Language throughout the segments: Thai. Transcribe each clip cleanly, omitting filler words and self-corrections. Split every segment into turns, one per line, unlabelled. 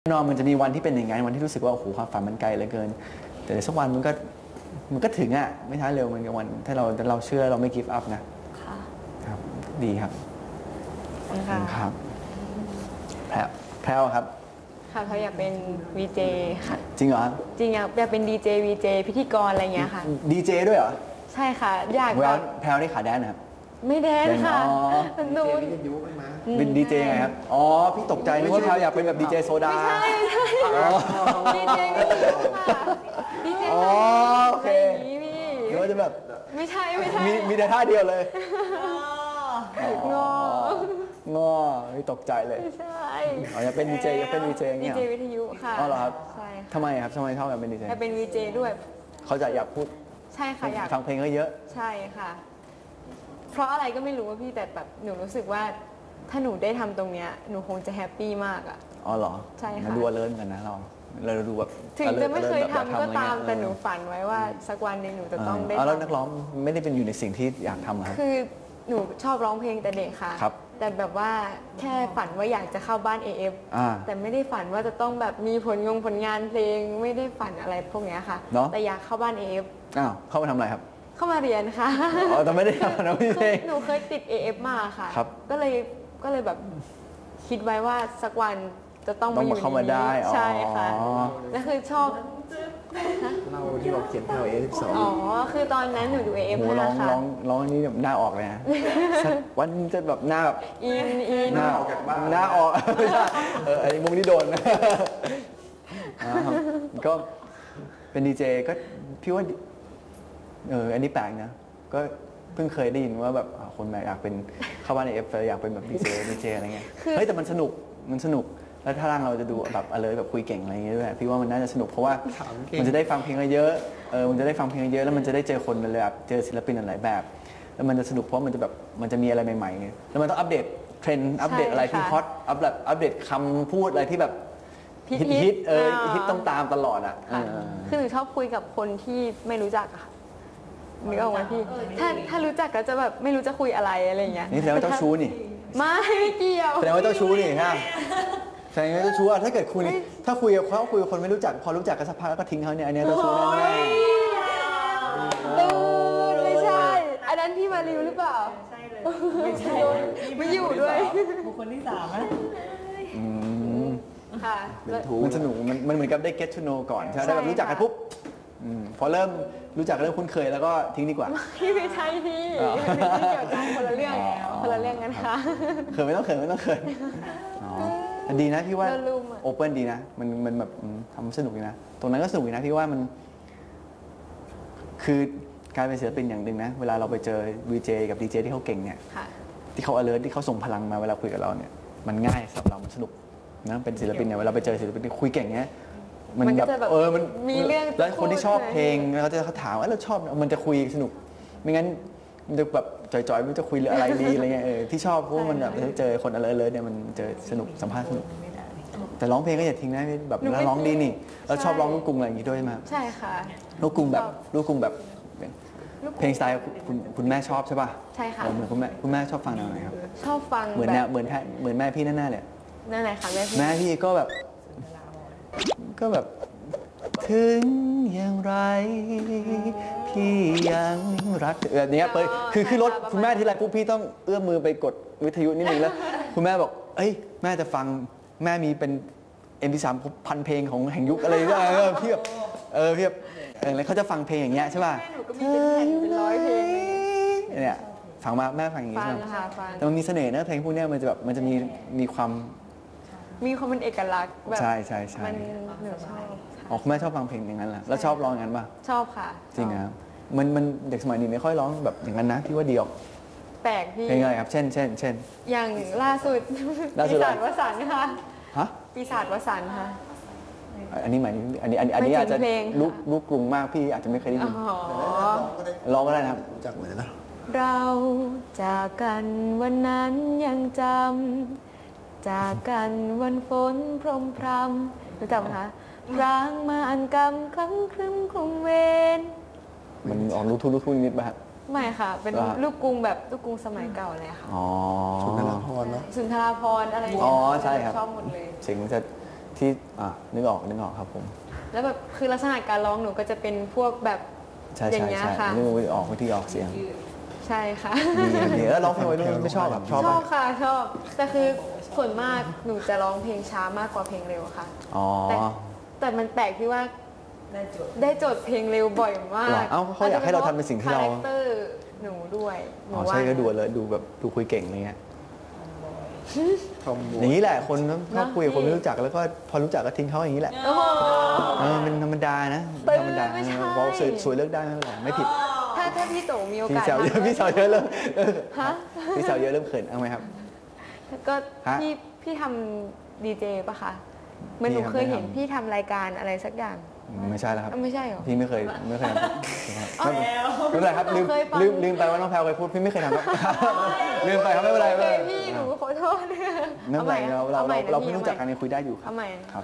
แน่นอนมันจะมีวันที่เป็นอย่างไงวันที่รู้สึกว่าโอ้โหความฝันมันไกลเหลือเกินแต่สักวันมันก็ถึงอ่ะไม่ช้าเร็วมันกับวันถ้าเราเชื่อเราไม่ give up นะ
ค่ะ
ครับดีครับ
ค่ะ
ครับแพรวครับ
ค่ะเขาอยากเป็น VJ ค่ะ
จริงเหรอ
จริงอยากเป็น DJ VJ พิธีกรอะไรเงี้ยค่ะ
ดีเจด้วยเหรอ
ใช่ค่ะอยาก
แบบแพรวนี่ขาแดนนะครับ
ไม่แดนค่ะหนู
เป็นดีเจไงครับอ๋อพี่ตกใจนึกว่าแพรวอยากเป็นแบบดีเจโซดา
ไม่ใช่ดีเจไม่ใช่ค่ะดีเจ
อ๋อโอเคหรือว่าจะแบบ
ไม่ใช่
มีแต่ท่าเดียวเลย
งอ
พี่ตกใจเลย
ไม่ใช่
อ๋ออยากเป็นดีเจอยากเป็นดีเจอย่างเงี้ย
ดีเจวิทยุค่ะ
อ๋อเหรอครับ
ใช่
ทำไมครับทำไมชอบอยากเป็นดีเจ
อยากเป็น VJ ด้วย
เขาจะอยากพูด
ใช่ค่ะอยาก
ฟังเพลงเยอะ
ใช่ค่ะเพราะอะไรก็ไม่รู้ว่าพี่แต่แบบหนูรู้สึกว่าถ้าหนูได้ทำตรงเนี้ยหนูคงจะแฮปปี้มากอ่ะ
อ๋อเหรอ
ใช่ค่ะ
มันดูเลิศกันนะเราดูแบบ
ถึงจะไม่เคยทำก็ตามแต่หนูฝันไว้ว่าสักวันหนึ่งหนูจะต้องได้
แล้วนักร้องไม่ได้เป็นอยู่ในสิ่งที่อยากทำครับ
คือหนูชอบร้องเพลงแต่เด็กค่ะ
ครับ
แต่แบบว่าแค่ฝันว่าอยากจะเข้าบ้าน AF แต่ไม่ได้ฝันว่าจะต้องแบบมีผลงานเพลงไม่ได้ฝันอะไรพวกนี้ค่ะแต่อยากเข้าบ้าน AF
เข้ามาทำอะไรครับ
เข้ามาเรียนค่ะ
อ๋อแต่ไม่ได้ทำนะพี่เพลง
หนูเคยติด AF มาค่ะก็เลยแบบคิดไว้ว่าสักวันจะต้องมาอยู่
เข้ามาได้
ใช่ค่ะแล้วคือชอบ
เราที่บอกเขียนแถว A12
อ๋อคือตอนนั้นหนูดู AF
ค่ะร้องนี้แบบหน้าออกเลยนะวันจะแบบหน้าแบบ
อิน
หน้าออกจากบ้านหน้าออกไม่ใช่ไอ้มุมนี้โดนก็เป็นดีเจก็พี่ว่าอันนี้แปลกนะก็เพิ่งเคยได้ยินว่าแบบคนแบบอยากเป็นเข้าบ้านในเอฟอยากเป็นแบบดีเจอะไรเงี้ยเฮ้ยแต่มันสนุกแล้วถ้าร่างเราจะดูแบบอะไรแบบคุยเก่งอะไรเงี้ยด้วยพี่ว่ามันน่าจะสนุกเพราะว่ามันจะได้ฟังเพลงเยอะมันจะได้ฟังเพลงเยอะแล้วมันจะได้เจอคนแบบเจอศิลปินหลายแบบแล้วมันจะสนุกเพราะมันจะมีอะไรใหม่ๆแล้วมันต้องอัปเดตเทรนด์อัปเดตอะไรที่ฮอตอัปเดตคำพูดอะไรที่แบบฮิตต้องตามตลอดอ่ะ
คือหนูชอบคุยกับคนที่ไม่รู้จักอะนึกออกไหมพี่ถ้ารู้จักก็จะแบบไม่รู้จะคุยอะไรเงี้ย
นี่แสดงว่าเจ้าชู้นี่
ไม่เกี่ยว
แสดงว่าเจ้าชู้นี่ฮะแสดงว่าเจ้าชู้ถ้าเกิดคุณถ้าคุยกับคนไม่รู้จักพอรู้จักกันสักพักแล้วก็ทิ้งเขาเนี่ยอันนี้เจ้าชู้แน่
ไม่ใช่อันนั้นพี่มาริวหรือเปล่า
ใช่เลยไม่ใช่
ไม่อยู่ด้วย
บุคคลที่3นะ
ค่ะ
มันสนุกมันเหมือนกับได้ get to know ก่อนใช่ไหมได้แบบรู้จักกันปุ๊บพอเริ่มรู้จักเริ่มคุ้นเคยแล้วก็ทิ้งดีกว่า
ไม่ใช่พี่ไม่เกี่ยวกันคนละเรื่องกันค่ะ
เขินไม่ต้องเขินดีนะพี่ว่าโอเปิลดีนะมันแบบทำสนุกดีนะตรงนั้นก็สนุกดีนะพี่ว่ามันคือการเป็นศิลปินอย่างหนึ่งนะเวลาเราไปเจอ VJ กับ DJ ที่เขาเก่งเนี่ยที่เขา alert ที่เขาส่งพลังมาเวลาคุยกับเราเนี่ยมันง่ายสำหรับเรามันสนุกนะเป็นศิลปินเนี่ยเวลาไปเจอศิลปินที่คุยเก่งเนี้ยมันแบบมัน
มีเรื่อง
แล้วคนที่ชอบเพลงเขาถามว่าเราชอบมันจะคุยสนุกไม่งั้นมันจะแบบจ่อยๆมันจะคุยเรื่องอะไรดีอะไรเงี้ยที่ชอบเพราะมันแบบเจอคนalertเนี่ยมันเจอสนุกสัมภาษณ์สนุกแต่ร้องเพลงก็อย่าทิ้งนะแบบแล้วร้องดีนี่แล้วชอบร้องลูกกรุงอะไรอย่างงี้ด้วยใช่ไหม
ใช่ค่ะ
ลูกกรุงแบบเพลงสไตล์คุณแม่ชอบใช่ป่ะ
ใช่ค่ะ
เหมือนคุณแม่ชอบฟังแนวไหนครับ
ชอบฟัง
เหมือนแม่พี่แน่ๆเลย
นั่นไหนคะ
แม่พี่ก็แบบถึงอย่างไรพี่ยังรักแบบนี้คือขึ้นรถคุณแม่ที่ไรปุ๊บพี่ต้องเอื้อมมือไปกดวิทยุนิดนึงแล้วคุณแม่บอกเอ้ยแม่จะฟังแม่มีเป็น MP3 พันเพลงของแห่งยุคอะไรก็พี่แบบพี่แบบแล้วเขาจะฟังเพลงอย่างเงี้ยใช่ป่ะ
แม่หนูก็มีเป็นแผ่นเป็นร้อยเพลง
เนี่ยฟังมาแม่ฟังอย่างงี้ใช่ไหมแต่มันมีเสน่ห์นะเพลงพวกนี้มันจะมีความ
เป็นเอกลักษณ์แบบ
ใช่
มันหนูชอบ
อ๋อคุณแม่ชอบฟังเพลงอย่างนั้นแหละแล้วชอบร้องอย่างนั้นป่ะ
ชอบค่ะ
จริงครับมันเด็กสมัยนี้ไม่ค่อยร้องแบบอย่างนั้นนะที่ว่าเดียว
แปลกพี่
เพลงอะไรครับเช่น
อย่างล่าสุดปีศาจวสันต์ค่ะปีศาจวสันต์ค่ะ
อันนี้หมายอันนี้อาจจะลูกกรุงมากพี่อาจจะไม่เคยได้ยินร้องก็ได้นะครับ
จากไหนนะ
เราจากกันวันนั้นยังจำจากกันวันฝนพรมพรำรู้จักไหมคะร้างมาอันกำคล้ำครึ้มคลุมเวร
มันออกลูกทุ่งนิดป่ะ
ไม่ค่ะเป็นลูกกรุงแบบลูกกรุงสมัยเก่าเลยค่ะ
อ๋อ
สุนทราภรณ์เนาะ
สุนทราภรณ์อะไร
อ๋อใช่ครับ
ชอบหมดเลย
เสียงจะทที่นึกออกครับผม
แล้วแบบคือลักษณะการร้องหนูก็จะเป็นพวกแบบ
ใช่
อย่างเงี้ยค่ะ
นึกออกวิธีออกเสียง
ใช่ค่ะ
ดีแล้วร้องเพลงวัยรุ่นไม่ชอบแบบชอบ
ชอบ
ปะ
ค่ะชอบ แต่คือส่วนมากหนูจะร้องเพลงช้ามากกว่าเพลงเร็วค่ะ
อ๋อ
แต่มันแปลกที่ว่า
ได้โจทย์
ได้โจทย์เพลงเร็วบ่อยมา
เหรอก เอ้าเขาอยากให้เราทำเป็นสิ่งที่เรา
คาแรคเตอร์หนูด้วยหนู
อ๋อ
ว่า
ใช่ก็ดูเลยดูแบบดูคุยเก่งอะไรเงี้ย
ทอมบู
อย่างนี้แหละคนชอบคุยกับคนไม่รู้จักแล้วก็พอรู้จักก็ทิ้งเขาอย่างนี้แหละ
โอ้โห
เป็นธรรมดานะธรรมดา
ไม่ใช่
บอกสวยเลือกได้ไม่เป็นไรไม่ผิด
ถ้าพี่โตมีโอ
พี่
กาส
สาวเยอะ
ทำ
พี่สาวเยอะเริ่ม
ฮะ
พี่สาวเยอะเริ่มเขินเอาไหมครับ
ก็
ฮะ
พี่ทำดีเจปะคะเหมือนหนูเคยเห็นพี่ทำรายการอะไรสักอย่าง
ไม่ใช่แล้วครับ
ไม่ใช่เหรอ
พี่ไม่เคยทำไม่เป็นไรครับลืม
เคยฟัง
ลืมไปว่าน้องแพลวเคยพูดพี่ไม่เคยทำครับ ลืมไปครับไม่เป็นไร
โอ
ไม่
เค
เป็นไร
พี่หนูขอโทษ
ไม่เป็นไร
เอาใหม่
เรา
นะ
เพิ่งรู้จักกันยังคุยได้อยู่ครั
เอา
บ
ใหม่
ครับ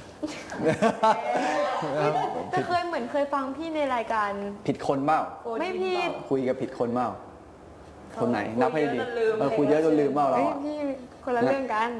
แต่เคยฟังพี่ในรายการ
ผิดคนเปล่า
ไม่ผิด
คุยกับผิดคนเปล่าคนไหนนับให้ดีคุยเยอะจนลืมเปล่าเรา
เอ้ย
อะ
พี่คนละเรื่องกัน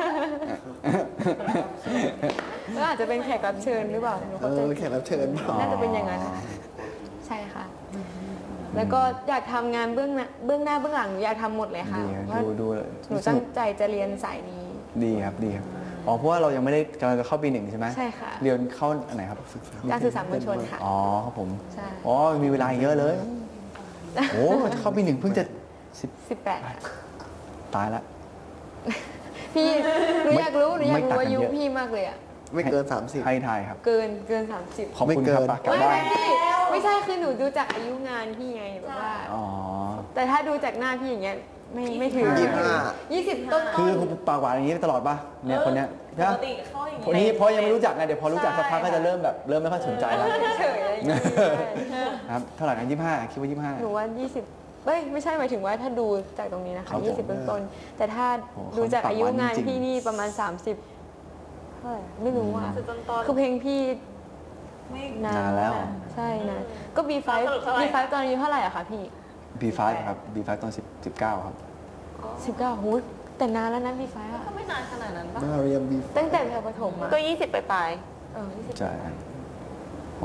แล้วอาจจะเป็นแขกรับเชิญหรือเปล่าหนูเข้าใจ
แขกรับเชิญเปล่า
น่าจะเป็นอย่างนั้นค่ะใช่ค่ะ แล้วก็อยากทำงานเบื้องหน้าเบื้องหลังหนูอยากทำหมดเลยค่ะ
ดีครับ
ว่า
ดู
หนูตั้งใจจะเรียนสายนี้
ดีครับดีครับอ๋อเพราะว่าเรายังไม่ได้กำลังจะเข้าปี 1ใช่ไหม
ใช่ค่ะ
เรียนเข้าอันไหนครับ
การสื่อสารมวลชนค่ะ
อ๋อครับผม
ใช่
อ๋อมีเวลาเยอะเลยโอ้เข้าปี 1เพิ่งจะ
18ค่ะ
ตายละ
พี่หนูอยากรู้
ไม่ต่างกัน
อายุ
เยอะ
พี่มากเลยอะ
ไม่เกิน 30
ให้ทายครับ
เกิน 30
ขอบคุณ
ไม่เกิ
ครับ
น
ปากกลับ
ไม่
บ้าน
พี่ไม่ใช่คือหนูดูจากอายุงานพี่ไงแบบว่า
อ๋อ
แต่ถ้าดูจากหน้าพี่อย่างเงี้ยไม่ถึง 20 ต้น
คือปากหวานอย่างนี้ตลอดป่ะเนี่ยคนเนี้ย
ป
ใช่
ก
ปะ
ติเข้าอย่าง
คนนี้เพราะยังไม่รู้จักไงเดี๋ยวพอรู้จักสักพักก็จะเริ่มแบบเริ่มไม่ค่อยสนใจแล้ว
เฉยๆอะไรอย่างเงี้ย
ครับเท่าไหร่นะ25คิดว่า
หนูว่า 20เอ้ยไม่ใช่หมายถึงว่าถ้าดูจากตรงนี้นะ
ครั
คะ
บผม
20 ต้นๆแต่ถ้า
โอ้โห
ดูจากอายุงาน
จริงๆ
พี่นี่ประมาณ 30เท่าไหร่ไม่รู้อ่ะ
คือต้น
คือเพลงพี่
ไม่
นาน
นานแล้ว
อะใช่นะก็ B5
สรุปเท่าไหร่
B5 ตอนอายุเท่าไหร่อะคะพี่
B5 ครับ B5 ตอน19ครับ
19หูแต่นานแล้วนะ B5 อะ
ก็ไม่นานขนาดนั้นปะ
มาเรียมบี
ตั้งแต่แถวประถมอะ
ก็ 20 ปลาย
ใช่โอ้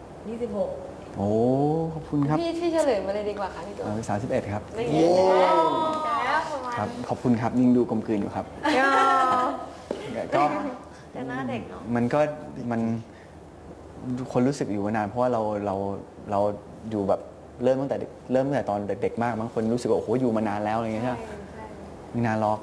26
โอ้ขอบคุณครับ
พี่เฉลยมาเลยดีกว่าค่ะพี่ตัว
31ครับ
ไม่
โอ้
แล้วประมาณ
ครับ ขอบคุณครับยิ่งดูกลมกลืนอยู่ครับ
ย่อ
ก็
ๆแต่หน้าเด็กเนาะ
มันคนรู้สึกอยู่มานานเพราะว่าเราอยู่แบบเริ่มตั้งแต่ตอนเด็กๆมากบางคนรู้สึกว่าโอ้โหอยู่มานานแล้วอะไรอย่างเงี้ยใช่ไหมไม่นานหรอก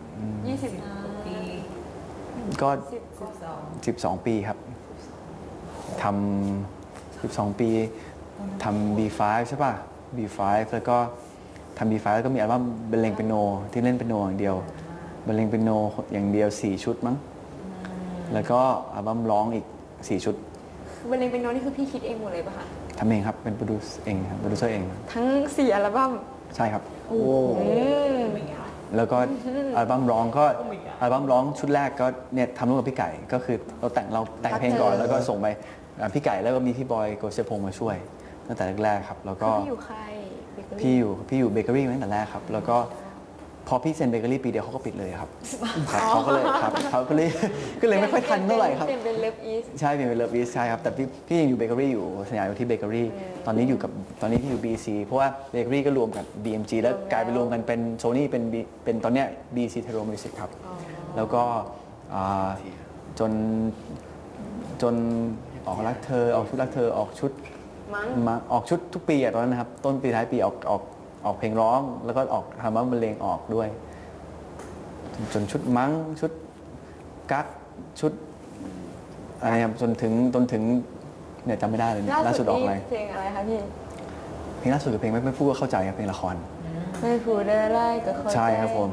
20
ปี
ก็
12
12 ปีครับทำ12 ปีทำ B5 ใช่ป่ะ B5 แล้วก็ทำ B5 แล้วก็มีอัลบั้มบรรเลงเปียโนที่เล่นเปียโนอย่างเดียวบรรเลงเปียโนอย่างเดียว4 ชุดมั้งแล้วก็อัลบั้มร้องอีก4 ชุด
บรรเลงเป็นโน้ตนี่คือพี่คิดเองหมดเลยปะคะ
ทำเองครับเป็นโปรดิวเองครับโปรดิวเซอร์เอง
ทั้ง4อัลบั้ม
ใช่ครับ
โอ้
แล้วก็อัลบั้มร้องก็อัลบั้มร้องชุดแรกก็เนี่ยทำร่วมกับพี่ไก่ก็คือเราแต่งเพลงก่อนแล้วก็ส่งไปพี่ไก่แล้วก็มีพี่บอยโกเซพงษ์มาช่วยตั้งแต่แรกๆครับแล้วก็
พี่อยู่ใคร
พี่อยู่เบเกอรี่มาตั้งแต่แรกครับแล้วก็พอพี่เซ็นเบเกอรี่ปีเดียวเขาก็ปิดเลยครับครับเขาก็เลยครับเขาก็เลยไม่ค่อยทันเท่าไหร่ครับ
เปลี่ยนเป็นเลิฟอีส
ใช่เป็นเลิฟอีสใช่ครับแต่พี่ยังอยู่เบเกอรี่อยู่สัญญาอยู่ที่เบเกอรี่ตอนนี้พี่อยู่ BC เพราะว่าเบเกอรี่ก็รวมกับ BMG แล้วกลายไปรวมกันเป็นโซนี่เป็นตอนเนี้ย BC Tero Music ครับแล้วก็อ่าจนออกรักเธอออกชุดรักเธอออกชุด
มั้ง
มาออกชุดทุกปีอะตอนนั้นนะครับต้นปีท้ายปีออกเพลงร้องแล้วก็ออกทำว่าบรรเลงออกด้วยจนชุดมั้งชุดกั๊กชุดอะไรครับจนถึงเนี่ยจำไม่ได้เลยเนี่ยล่าสุดออกอะไร
เพลงอะไรคะพี่
เพลงล่าสุดคือเพลงไม่พูดก็เข้าใจครับเพลงละคร
ไม่พูดอะไรก็เข้าใจ
ใช่ครับผม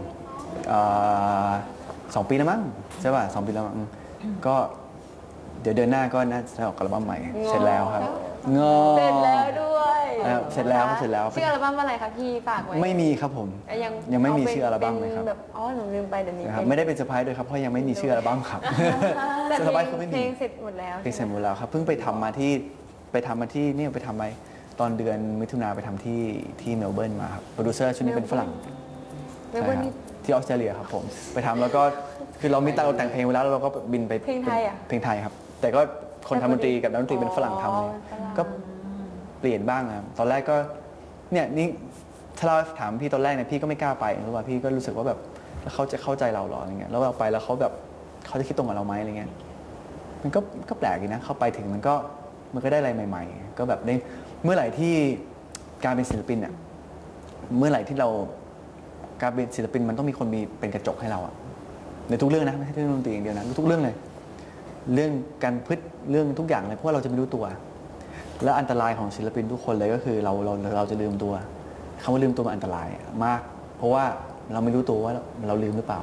2 ปีแล้วมั้งใช่ป่ะ2 ปีแล้วมั้งก็เดี๋ยวเดือนหน้าก็น่าจะออกอัลบั้มใหม่เสร็จแล้วครับงอ
เสร็จแล้วด้วย
เสร็จแล้วครับเสร็จแล้ว
ชื่ออัลบั้มอะไรคะพี่ฝากไว้
ไม่มีครับผม ยังไม่มีชื่ออัลบั้มเลยครับ
เป็นแบบอ๋อหนูลืมไปเดี๋ยวนี้
นะครับไม่ได้เป็นเซอร์ไพรส์ด้วยครับเพราะยังไม่มีชื่ออัลบั้มครับ
แต่
เซอร์ไพรส์คือไม่
เพ
มี
ลงเสร็จหมดแล้ว
เพลงเสร็จหมดแล้วครับเพิ่งไปทำมาที่เนี่ยไปทำไปตอนเดือนมิถุนาไปทำที่เมลเบิร์นมาครับโปรดิวเซอร์ชุดนี้เป็นฝรั่ง
เมล
ใช่
เบิร์น
ครับ
นี่
ที่ออสเตรเลียครับผมไปทำแล้วก็คือเรามีตังค์แต่งเพลงไว้แล้วเราก็บินไป
เพลงไทยอะ
เพลงไทยครับ แต่ก็คนทำดนตรีกับนักดนตรีเป็นฝรั่งทำเลย
ฝรั่ง
ก็เปลี่ยนบ้างครับตอนแรกก็เนี่ยนี่ถ้าเราถามพี่ตอนแรกเนี่ยพี่ก็ไม่กล้าไปเพราะว่าพี่ก็รู้สึกว่าแบบเขาจะเข้าใจเราหรออะไรเงี้ยแล้วเราไปแล้วเขาแบบเขาจะคิดตรงกับเราไหมอะไรเงี้ยมันก็แปลกดีนะเข้าไปถึงมันก็ได้อะไรใหม่ ๆ ก็แบบได้เมื่อไหร่ที่การเป็นศิลปินเนี่ยเมื่อไหร่ที่เราการเป็นศิลปินมันต้องมีคนมีเป็นกระจกให้เราอะในทุกเรื่องนะไม่ใช่เรื่องดนตรีอย่างเดียวนะทุกเรื่องเลยเรื่องการพฤติเรื่องทุกอย่างเลยเพราะว่าเราจะไม่รู้ตัวและอันตรายของศิลปินทุกคนเลยก็คือเราจะลืมตัวคำว่าลืมตัวมันอันตรายมากเพราะว่าเราไม่รู้ตัวว่าเราลืมหรือเปล่า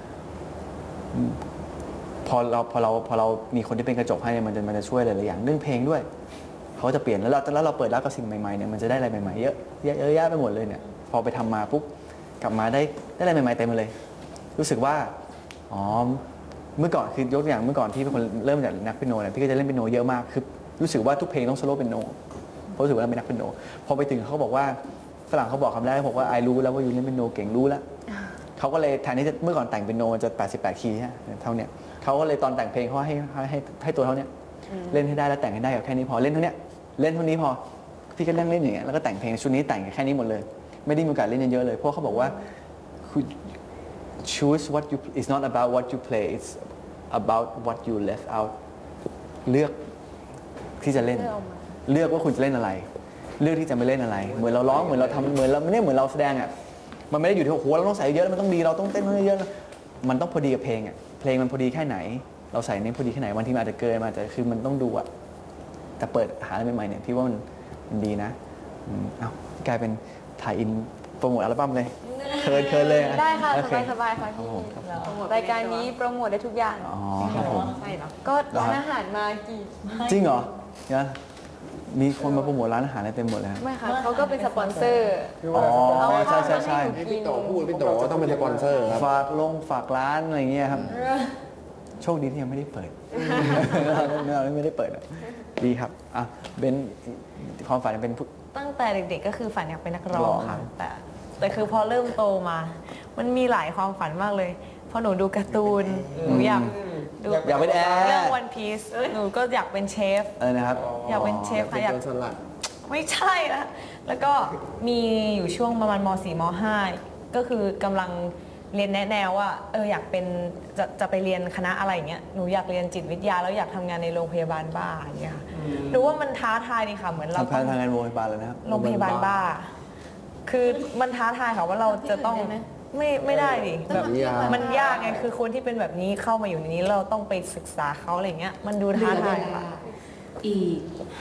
พอเรามีคนที่เป็นกระจกให้มันจะช่วยหลายๆอย่างเรื่องเพลงด้วยเขาจะเปลี่ยนแล้วเราเปิดรับกับสิ่งใหม่ๆเนี่ยมันจะได้อะไรใหม่ๆเยอะแยะไปหมดเลยเนี่ยพอไปทำมาปุ๊บกลับมาได้อะไรใหม่ๆเต็มเลยรู้สึกว่าอ๋อเมื่อก่อนคือยกตัวอย่างเมื่อก่อนที่เป็นคนเริ่มจากนักเปียโนเนี่ยพี่ก็จะเล่นเปียโนเยอะมากคือรู้สึกว่าทุกเพลงต้องโซโล่เปียโนเพราะรู้สึกว่าเราเป็นนักเปียโนพอไปถึงเขาบอกว่าฝรั่งเขาบอกคำแรกบอกว่าไอรู้แล้วว่ายูเล่นเปียโนเก่งรู้แล้วเขาก็เลยแทนที่จะเมื่อก่อนแต่งเปียโนจะ88คีย์เท่าเนี้ยเขาก็เลยตอนแต่งเพลงเขาให้ตัวเท่าเนี้ยเล่นให้ได้แล้วแต่งให้ได้กับแค่นี้พอเล่นเท่าเนี้ยเล่นเท่านี้พอพี่ก็เล่นอย่างเงี้ยแล้วก็แต่งเพลงชุดนี้แต่งแค่นี้หมดเลยไม่ได้มีโอกาสเล่นเยอะเลยเพราะเขาบอกว่า choose what you it's not about what you play it's about what you left out เลือกที่จะเล่นเลือกว่าคุณจะเล่นอะไรเลือกที่จะไม่เล่นอะไรเหมือนเราร้องเหมือนเราทำเหมือนเราไม่ได้เหมือนเราแสดงอ่ะมันไม่ได้อยู่ที่โอ้โหเราต้องใส่เยอะมันต้องดีเราต้องเต้นเยอะมันต้องพอดีกับเพลงอ่ะเพลงมันพอดีแค่ไหนเราใส่ในพอดีแค่ไหนบางทีมันอาจจะเกินมาแต่คือมันต้องดูอ่ะแต่เปิดหาอะไรใหม่ๆเนี่ยพี่ว่ามันดีนะเอ้ากลายเป็นถ่ายอินโปรโมทอัลบั้มเลยเคินเลย
ได้ค่ะ
โอเ
สบายๆค่ะ
ครับ
พี่
ผมครับ
รายการนี้โปรโมทได้ทุกอย่าง
อ๋อครับผม
ใช่เหรอ
ก็ร้านอาหารมากี่
จริงเหรอเนี่ยมีคนมาโปรโมทร้านอาหารอะไรเต็มหมดเลยครับ
ไม่ค่ะเขาก็เป็นสปอนเซอร์
อ๋อ
เอาข้าว
ใช่
มาให้หนู
ให้
กิ
พี่
น
โตพูดพี่โตต้องเป็นสปอนเซอร์ครับ
ฝากร้านอะไรเงี้ยครับโชคดีที่ยังไม่ได้เปิดเราไม่ได้เปิดดีครับอ่ะเบนความฝันเป็นผู้
ตั้งแต่เด็กๆก็คือฝันอยากเป็นนักร้องค่ะ
ร้อง
แต่คือพอเริ่มโตมา มันมีหลายความฝันมากเลยพอหนูดูการ์ตูนหนูอยากดู
อยากเป็นแอร์
เรื่อง One Piece หนูก็อยากเป็นเชฟ
นะครับ
อยากเป็นเชฟ
เป็
ค่ะ
น
อยาก
โจรสลัด
ไม่ใช่นะแล้วก็มีอยู่ช่วงประมาณม .4 ม .5 ก็คือกำลังเรียนแนะแนวว่าอยากเป็นจะไปเรียนคณะอะไรอย่างเงี้ยหนูอยากเรียนจิตวิทยาแล้วอยากทำงานในโรงพยาบาลบ้าอย่างเงี้ยค่ะหนูว่ามันท้าทายดีค่ะเหมือนเรา
ทำงานโรงพยาบาลเลยนะครับ
โรงพยาบาลบ้า คือมันท้าทายค่ะว่าเราจะต้องไม่ได้ดิแบบมันยากไงคือคนที่เป็นแบบนี้เข้ามาอยู่ในนี้เราต้องไปศึกษาเขาอะไรเงี้ยมันดูท้าทายค่ะ
อีก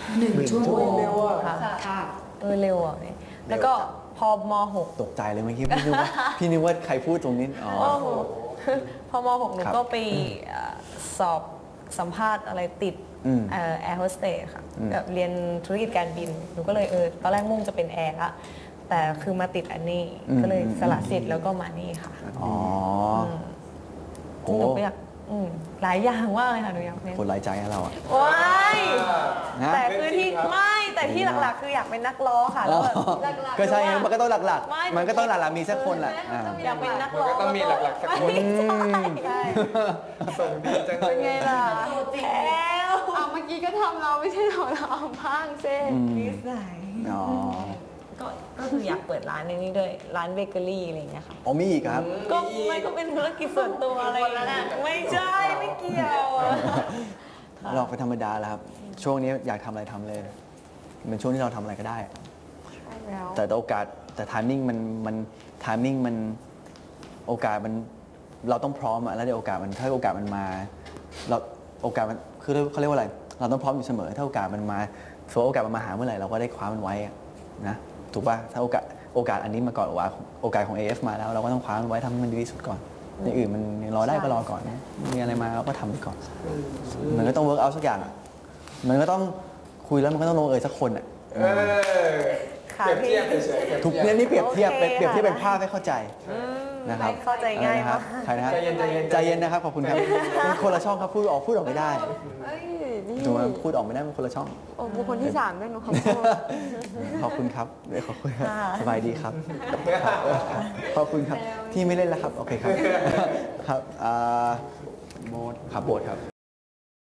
1 ชั่วโมง
ค่ะเร็วอ่ะเนี่ยแล้วก็พอม .6
ตกใจเลยเมื่อกี้พี่นึกว่าใครพูดตรงนี้อ๋อ
พอม .6 หนูก็ไปสอบสัมภาษณ์อะไรติดแอร์โฮสเตสค่ะแบบเรียนธุรกิจการบินหนูก็เลยตอนแรกมุ่งจะเป็นแอร์ละแต่คือมาติดอันนี้ก็เลยสละสิทธิ์แล้วก็มานี่ค่ะ
อ๋อโอ้
หนูก็อยากหลายอย่างว่ากเลยค่ะหนูอยากเป็น
คนหลายใจให้เราอ่ะ
ว้าย
นะ
แต่คือที่แต่ที่หลักๆ คืออยากเป็นนักร้องค่ะแล้วแบบ
ก็ใช่ไงมันก็ต้องหลัก
ไม่
ๆ มันก็ต้องหลักๆมีสักคนแหละอ่า
อยากเป็นนักร้อง
มันก็ต้องมีหลักๆสักคน
ใช่
ส่งดีจังเล
เป็
ย
นไงล่ะแล้ว
เมื่อกี้ก็ทำเราไม่ใช่เราเอาบ้างเซ่
นิสัย
อ๋อ
ก็คืออยากเปิดร้านในนี้ด้วยร้านเบเกอรี่อะไรอย่างเงี้ยค่ะ
อ๋อมีอีกครับ
ก็มันก็เป็นธุรกิจส่วนตัวอะไรอย่างเงี้ยไม่ใช่ไม่เกี่ยวอะ
เราเป็นธรรมดาแล้วครับ ช่วงนี้อยากทำอะไรทำเลย เป็นช่วงที่เราทำอะไรก็ได้ แต่โอกาสแต่ทามมิ่งมันทามมิ่งมันโอกาสมันเราต้องพร้อมอะแล้วเดี๋ยวโอกาสมันถ้าโอกาสมันมาเราโอกาสมันคือเขาเรียกว่าอะไรเราต้องพร้อมอยู่เสมอถ้าโอกาสมันมาโอกาสมันมาหาเมื่อไหร่เราก็ได้คว้ามันไว้อะนะถูกป่ะถ้าโอกาสอันนี้มาก่อนโอกาสของ AF มาแล้วเราก็ต้องคว้ามันไว้ทำให้มันดีที่สุดก่อนอย่างอื่นมันรอได้ก็รอก่อนนะมีอะไรมาเราก็ทำไปก่อนมันก็ต้องเวิร์กเอาสักอย่างอะมันก็ต้องคุยแล้วมันก็ต้องลงสักคนอ่ะ
ค่ะ
เปรียบเทียบเฉยๆ
ทุกเนี่ยนี่เปรียบเทียบ
โอเค
เปรียบเทียบ
ค่ะ
เป็นภาพให้เข้าใจนะครับ
เข้าใจง่าย
นะค
มา
รั
ก
บใครนะฮะ
ใจเย็นใจเย็น
ใจเย็นนะครับขอบคุณครับเป็นคนละช่องครับพูดออกไม่ได้
เอ้ยนี่
ถูกไหมพูดออกไม่ได้เป็นคนละช่อง
โอ้บุคคลที่ 3ด้วยหนูขอโทษ
ขอบคุณครับขอบคุณครับสบายดีครับ ขอบคุณครับที่ไม่เล่นแล้วครับโอเคครับครับโบสครับโบสครับ